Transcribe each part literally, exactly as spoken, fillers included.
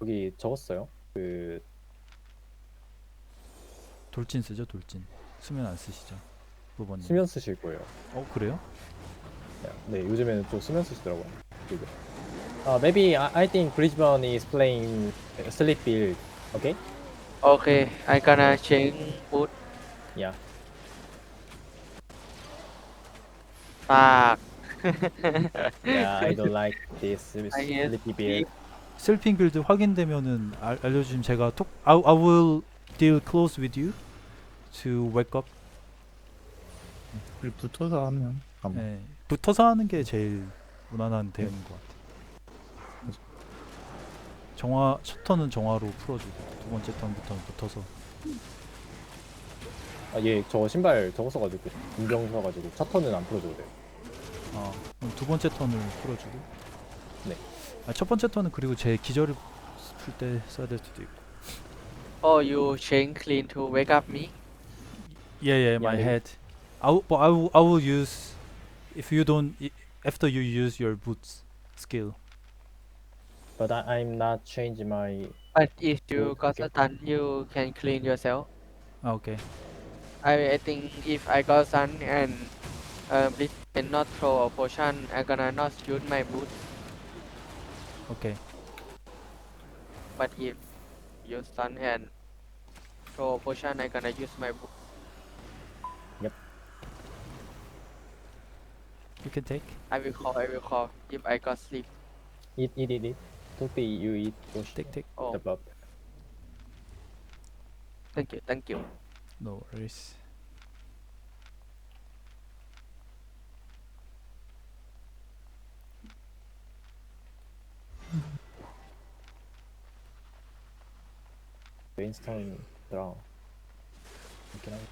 거기 적었어요. 그 돌진 쓰죠, 돌진. 수면 안 쓰시죠, 부모님. 수면 쓰실 거예요. 어 그래요? 네, 요즘에는 좀 수면 쓰시더라고요. 그리고 uh, maybe I, I think Brisbane is playing sleep build. Okay? Okay, I gonna change boot. Yeah. Fuck. Yeah, I don't like this I hate sleepy build. 셀핑 빌드 확인되면은 알, 알려주시면 제가 톡 I, I will deal close with you to wake up. 우리 붙어서 하면 아마 네, 붙어서 하는 게 제일 무난한 대응인 것 같아요. 정화 첫 턴은 정화로 풀어주고 두 번째 턴부터는 붙어서. 아, 얘 저 신발 저거 써가지고 인정 써가지고 첫 턴은 안 풀어줘도 돼요. 아, 그럼 두 번째 턴을 풀어주고. 네. 아, 첫 번째 턴은 그리고 제 기절을 풀 때 써야 될 수도 있고. Oh, you change clean to wake up me? Yeah, yeah, my Yeah, yeah. head. I will, but I will, I will use if you don't i- after you use your boots skill. But I, I'm not change my. But if you Boot, got okay. stun, you can clean yourself. 아, 오케이. I, I think if I got stun and uh, Blitz cannot throw a potion, I gonna not use my boot. 오케이. But if you stun and throw a potion, I gonna use my boot. You can take. I will call, I will call if I got sleep. Eat, eat, eat, eat. Don't be you eat. Push Take, take. Oh, the buff. thank you, thank you. No worries. Brainstorm draw. 이렇게 하고.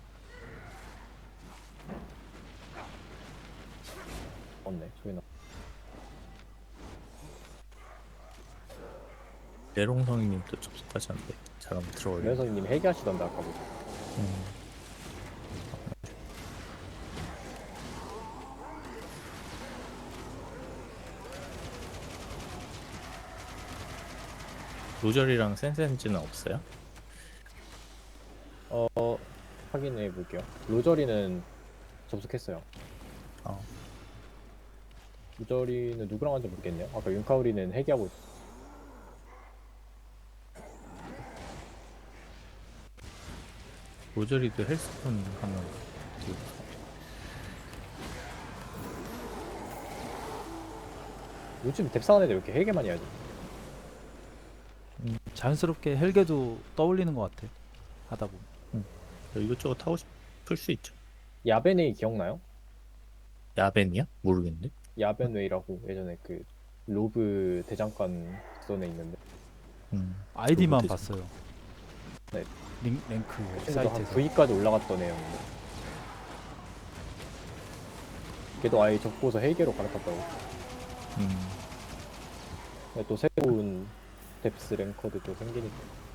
없네. 소리 나. 내롱성이님도 접속하셨는데 잘 한번 들어올려. 매선님 회개하시던데 아까부터. 음. 로절이랑 센센즈는 없어요? 어 확인해 볼게요. 로저리는 접속했어요. 어. 로저리는 누구랑 한지 모르겠네요. 아까 윤카우리는 회개하고 있어. 로절이도 헬스폰 하면 되게 요즘 뎁사한 애들 왜 이렇게 회개 많이 하지? 음, 자연스럽게 헬게도 떠올리는 것 같아. 하다 보면. 이것저것 하고 싶을 수 있죠. 야벤웨이 기억나요? 야벤이야? 모르겠는데. 야벤웨이라고 예전에 그 로브 대장간 존에 있는데 음. 아이디만 로봇이지. 봤어요. 네. 링, 랭크 친구도 한 사이트에서. V까지 올라갔던 애였는데 걔도 아예 접고서 헬게로 갈아탔다고. 음. 근데 또 새로운 뎁스 랭커도 또 생기니까.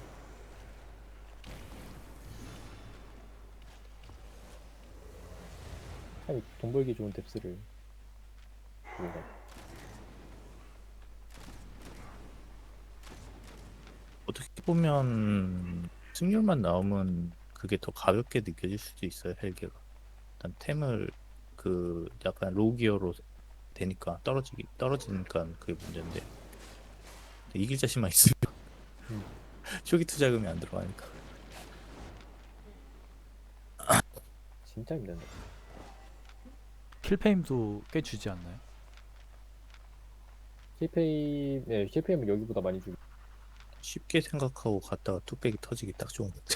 참 돈 벌기 좋은 뎁스를 모르겠네. 어떻게 보면 승률만 나오면 그게 더 가볍게 느껴질 수도 있어요. 헬게가. 일단 템을 그 약간 로기어로 되니까 떨어지기 떨어지니까 그게 문제인데 이길 자신만 있으면 음. 초기 투자금이 안 들어가니까. 진짜 힘든데. 킬페임도 꽤 주지 않나요? 킬페이, 네, 킬페이는 여기보다 많이 주고. 쉽게 생각하고 갔다가 뚝배기 터지기 딱 좋은 거죠.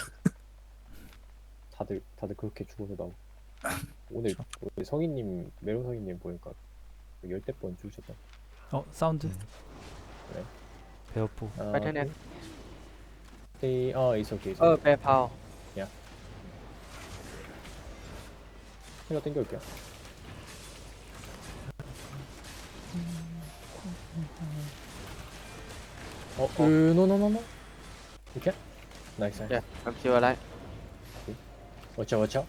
다들 다들 그렇게 죽어서 나오고. 오늘 오늘 성희님 메론 성희님 보니까 열대 번 죽으셨다. 어, 사운드. 음. 네. 베어포. 아, Battle.net. 네, 어, it's okay. It's Oh, okay. PayPal. 제가 땡겨올게요. 어, 으, 노노노노. 이렇게? 나이스. Yeah, I'm still alive. 워쳐 워쳐.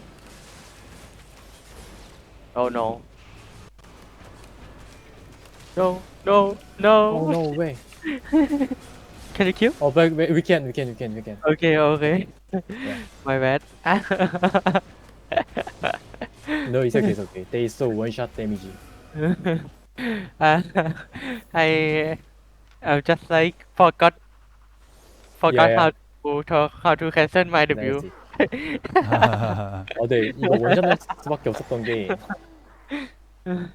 Oh no. No, no, no. Oh no way. Can you kill? Oh, but we we can, we can, we can, we can. Okay, okay. Yeah. My bad. No, it's okay, it's okay. They saw one shot damage. uh, I I just like forgot forgot Yeah, how to talk, how to cancel my W. That's it. 어, 네, 이거 원샷 날 수밖에 없었던 게